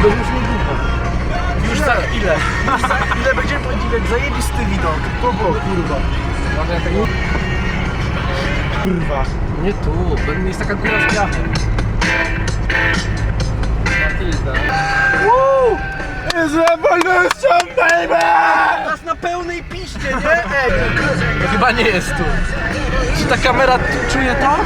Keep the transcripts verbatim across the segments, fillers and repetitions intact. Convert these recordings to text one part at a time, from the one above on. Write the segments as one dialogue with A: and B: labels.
A: Bo już niedługo. Już za ile? Już za ile będziemy podziwiać zajebisty widok. To było kurwa.
B: Może tego...
A: Kurwa.
B: Nie tu, jest taka góra z piachem. Matilda.
A: Woo! Is revolution, baby! Nas na pełnej piście, nie? Ej,
B: To chyba nie jest tu. Czy ta kamera tu czuje to?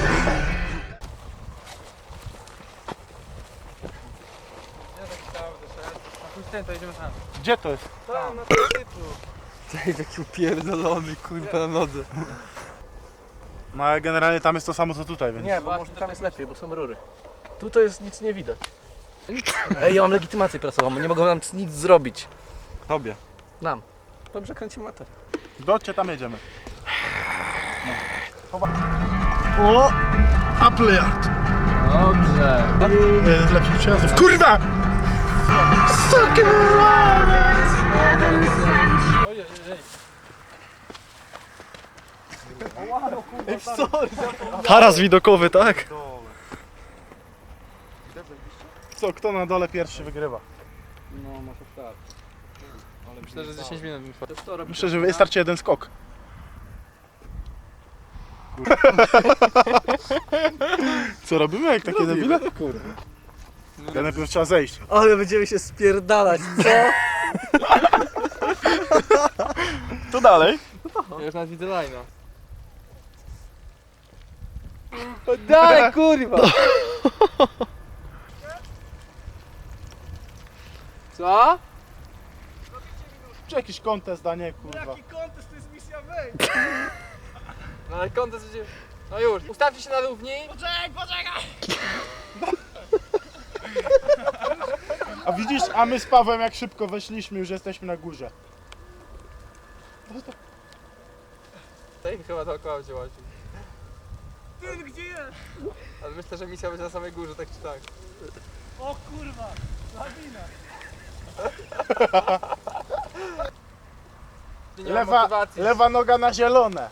A: gdzie to jest?
B: Tam, na tym tytlu. Tej taki upierdolony, kurwa, na nodze.
A: No ale generalnie tam jest to samo co tutaj, więc...
B: Nie, bo może tam jest lepiej, bo są rury. Tu to jest nic nie widać. Ej, ja mam legitymację prasową, nie mogą nam nic zrobić.
A: Tobie.
B: Nam. Dobrze kręcimy motor.
A: Docie tam jedziemy. No. O! Apple Yard!
B: Dobrze.
A: Jeden z lepszych przejazdów. Kurwa! Sucking Taras widokowy, tak? Co, kto na dole pierwszy wygrywa?
B: No, może tak. Myślę, że z dziesięć minut mi
A: Myślę, że wystarczy jeden skok. Co robimy jak takie debile? Ja najpierw trzeba zejść.
B: Ale będziemy się spierdalać, co?
A: To dalej.
B: Ja już nawet widzę line'a. Daj, kurwa! Co?
A: Czy jakiś kontest, a nie kurwa.
C: Jaki kontest, to jest misja wejść!
B: No ale kontest będzie... No już, ustawcie się na równi.
C: Poczekaj, poczekaj!
A: A widzisz, a my z Pawłem jak szybko weszliśmy, już jesteśmy na górze.
B: Tej chyba dookoła będzie łaził.
C: Ty, gdzie jest?
B: Ale myślę, że misja będzie na samej górze, tak czy tak.
C: O kurwa, lawina!
B: Nie ma
A: Lewa,
B: motywacji.
A: lewa noga na zielone.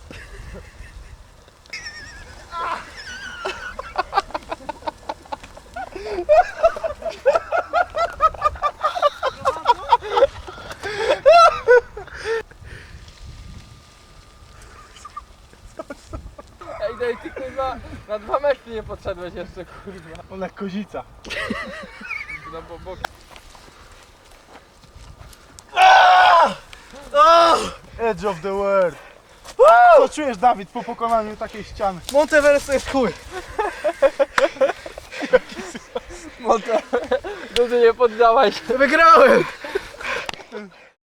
B: Ej, daj, ty kurwa, na dwa metry nie podszedłeś jeszcze, kurwa.
A: Ona kozica.
B: No bo bok.
A: Edge of the world. Co czujesz, Dawid, po pokonaniu takiej ściany?
B: Monteverest to jest chuj. Monte... Dobrze nie poddałeś.
C: Wygrałem!